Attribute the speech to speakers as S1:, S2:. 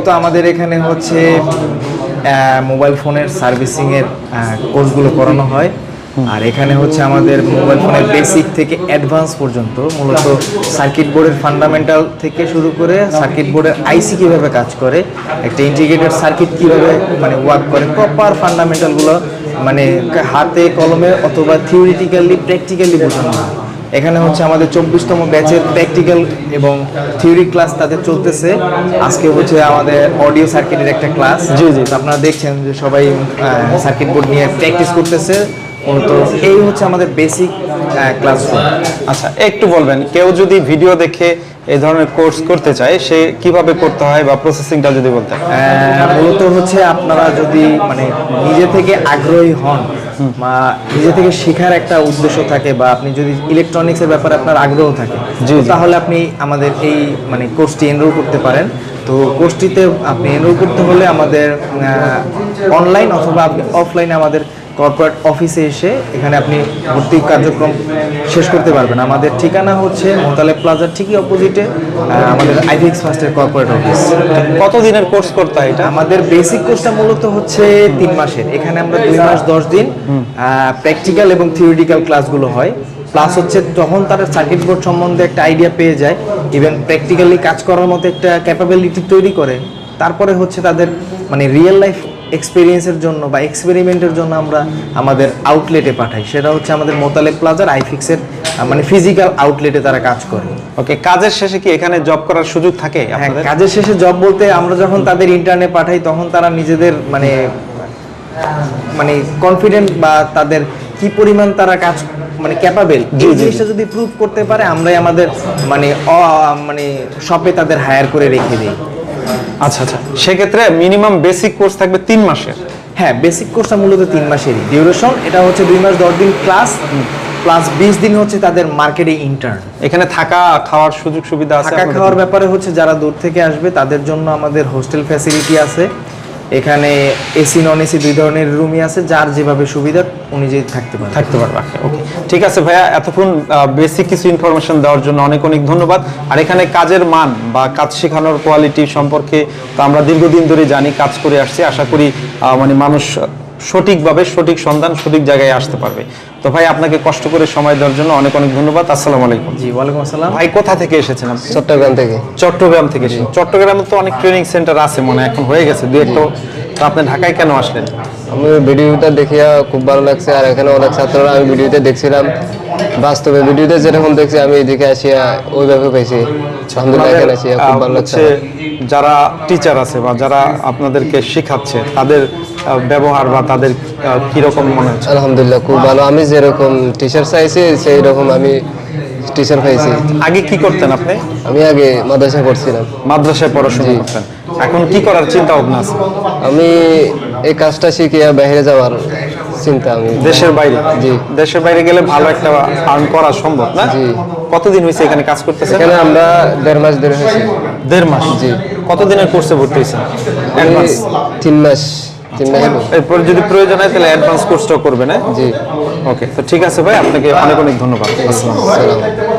S1: মূলত আমাদের এখানে হচ্ছে মোবাইল ফোনের সার্ভিসিংয়ের কোর্সগুলো করানো হয়। আর এখানে হচ্ছে আমাদের মোবাইল ফোনের বেসিক থেকে অ্যাডভান্স পর্যন্ত মূলত সার্কিট বোর্ডের ফান্ডামেন্টাল থেকে শুরু করে সার্কিট বোর্ডের আইসি কীভাবে কাজ করে, একটা ইন্টিগ্রেটেড সার্কিট কীভাবে মানে ওয়ার্ক করে, প্রপার ফান্ডামেন্টালগুলো মানে হাতে কলমে অথবা থিওরিটিক্যালি প্র্যাকটিক্যালি বোঝানো হয়। এখানে হচ্ছে আমাদের 24তম ব্যাচের প্র্যাকটিক্যাল এবং থিওরি ক্লাস তাদের চলতেছে। আজকে হচ্ছে আমাদের অডিও সার্কিটের একটা ক্লাস। জি জি, আপনারা দেখছেন যে সবাই সার্কিট বোর্ড নিয়ে প্র্যাকটিস করতেছে। তো এই হচ্ছে আমাদের বেসিক ক্লাসরুম।
S2: আচ্ছা, একটু বলবেন কেউ যদি ভিডিও দেখে এই ধরনের কোর্স করতে চায় সে কিভাবে করতে হয় বা প্রসেসিংটা যদি বলতেন।
S1: মূলত হচ্ছে আপনারা যদি মানে নিজে থেকে আগ্রহী হন বা নিজে থেকে শেখার একটা উদ্দেশ্য থাকে বা আপনি যদি ইলেকট্রনিক্সের ব্যাপারে আপনার আগ্রহ থাকে তাহলে আপনি আমাদের এই মানে কোর্সটি এনরোল করতে পারেন। তো কোর্সটিতে আপনি এনরোল করতে হলে আমাদের অনলাইন অথবা আপনি অফলাইনে আমাদের কর্পোরেট অফিসে এসে এখানে আপনি ভর্তি কার্যক্রম শেষ করতে পারবেন। আমাদের ঠিকানা হচ্ছে মোতালেব প্লাজার ঠিকই অপোজিটে আমাদের আইভিএক্স ফার্স্টের কর্পোরেট অফিস।
S2: কত দিনের কোর্স করতে হয় এটা?
S1: আমাদের বেসিক কোর্সটা মূলত হচ্ছে 3 মাসের। এখানে আমরা 2 মাস 10 দিন প্র্যাকটিক্যাল এবং থিওরিটিক্যাল ক্লাসগুলো হয়। প্লাস হচ্ছে যখন তারা সার্কিট বোর্ড সম্বন্ধে একটা আইডিয়া পেয়ে যায়, ইভেন প্র্যাকটিক্যালি কাজ করার মতো একটা ক্যাপাবিলিটি তৈরি করে, তারপরে হচ্ছে তাদের মানে রিয়েল লাইফ এক্সপেরিয়েন্সের জন্য বা এক্সপেরিমেন্টের জন্য আমরা আমাদের আউটলেটে পাঠাই। সেটা হচ্ছে আমাদের মোতালেব প্লাজার আইফিক্সের মানে ফিজিক্যাল আউটলেটে তারা কাজ করে।
S2: ওকে, কাজের শেষে কি এখানে জব করার সুযোগ থাকে?
S1: হ্যাঁ, কাজের শেষে জব বলতে আমরা যখন তাদের ইন্টার্নে পাঠাই তখন তারা নিজেদের মানে মানে কনফিডেন্ট বা তাদের কি পরিমাণ তারা কাজ মানে ক্যাপাবেল এই জিনিসটা যদি প্রুভ করতে পারে আমরাই আমাদের মানে মানে শপে তাদের হায়ার করে রেখে দিই।
S2: আচ্ছা আচ্ছা, সেক্ষেত্রে মিনিমাম বেসিক কোর্স থাকবে 3 মাসের।
S1: হ্যাঁ, বেসিক কোর্সটা মূলত 3 মাসেরই ডিউরেশন। এটা হচ্ছে 2 মাস 10 দিন ক্লাস প্লাস 20 দিন হচ্ছে তাদের মার্কেটে ইন্টার্ন।
S2: এখানে থাকা খাওয়ার সুযোগ সুবিধা আছে?
S1: থাকা খাওয়ার ব্যাপারে হচ্ছে যারা দূর থেকে আসবে তাদের জন্য আমাদের হোস্টেল ফ্যাসিলিটি আছে। এখানে এসি নন এসি 2 ধরনের রুমই আছে, যার যেভাবে সুবিধা অনুযায়ী থাকতে পারবে।
S2: ওকে, ঠিক আছে ভাইয়া, এতক্ষণ বেসিক কিছু ইনফরমেশন দেওয়ার জন্য অনেক অনেক ধন্যবাদ। আর এখানে কাজের মান বা কাজ শেখানোর কোয়ালিটি সম্পর্কে তো আমরা দীর্ঘদিন ধরে জানি, কাজ করে আসছি। আশা করি মানে মানুষ সঠিকভাবে সঠিক সন্ধান সঠিক জায়গায় আসতে পারবে। তো ভাই, আপনাকে কষ্ট করে সময় দেওয়ার জন্য অনেক অনেক ধন্যবাদ। আসসালামু আলাইকুম।
S1: জি, ওয়ালাইকুম আসসালাম।
S2: ভাই, কোথা থেকে এসেছেন আপনি?
S3: চট্টগ্রাম থেকে।
S2: চট্টগ্রাম থেকে এসেছেন? চট্টগ্রামে তো অনেক ট্রেনিং সেন্টার আছে মনে হয়, এখন হয়ে গেছে 2-1টা। তো আপনি ঢাকায় কেন আসলেন?
S3: আমি ভিডিওটা দেখিয়া খুব ভালো লাগছে, আর এখানে অনেক ছাত্ররা আমি ভিডিওতে দেখছিলাম, বাস্তবে ভিডিওতে যেরকম দেখছি আমি এদিকে আসিয়া ওইভাবে পেয়েছি। আলহামদুলিল্লাহ, এখানে আসিয়া খুব ভালো লাগছে।
S2: যারা টিচার আছে বা যারা আপনাদেরকে শেখাচ্ছে তাদের ব্যবহার বা তাদের কিরকম মনে হচ্ছে?
S3: আলহামদুলিল্লাহ, খুব ভালো। আমি যেরকম টিচার চাইছি সেই রকম আমি টিচার পাইছি।
S2: আগে কি করতেন আপনি?
S3: আমি আগে মাদ্রাসা পড়ছিলাম।
S2: মাদ্রাসায় পড়াশোনা করতেন, এখন কি করার চিন্তা ভাবনা আছে?
S3: আমি এই কাজটা শিখিয়া বাইরে যাওয়ার চিন্তা। আমি
S2: দেশের বাইরে?
S3: জি।
S2: দেশের বাইরে গেলে ভালো একটা আর্ন করা সম্ভব না?
S3: জি।
S2: কতদিন হয়েছে এখানে কাজ করতেছেন?
S3: এখানে আমরা 1.5 মাস ধরে হয়েছি।
S2: 1.5 মাস?
S3: জি।
S2: কতদিনের কোর্সে ভর্তি হয়েছেন?
S3: 3 মাস।
S2: এরপর যদি প্রয়োজন হয় তাহলে অ্যাডভান্স কোর্সটাও করবেন?
S3: জি।
S2: ওকে, তো ঠিক আছে ভাই, আপনাকে অনেক অনেক ধন্যবাদ। আসসালামু আলাইকুম।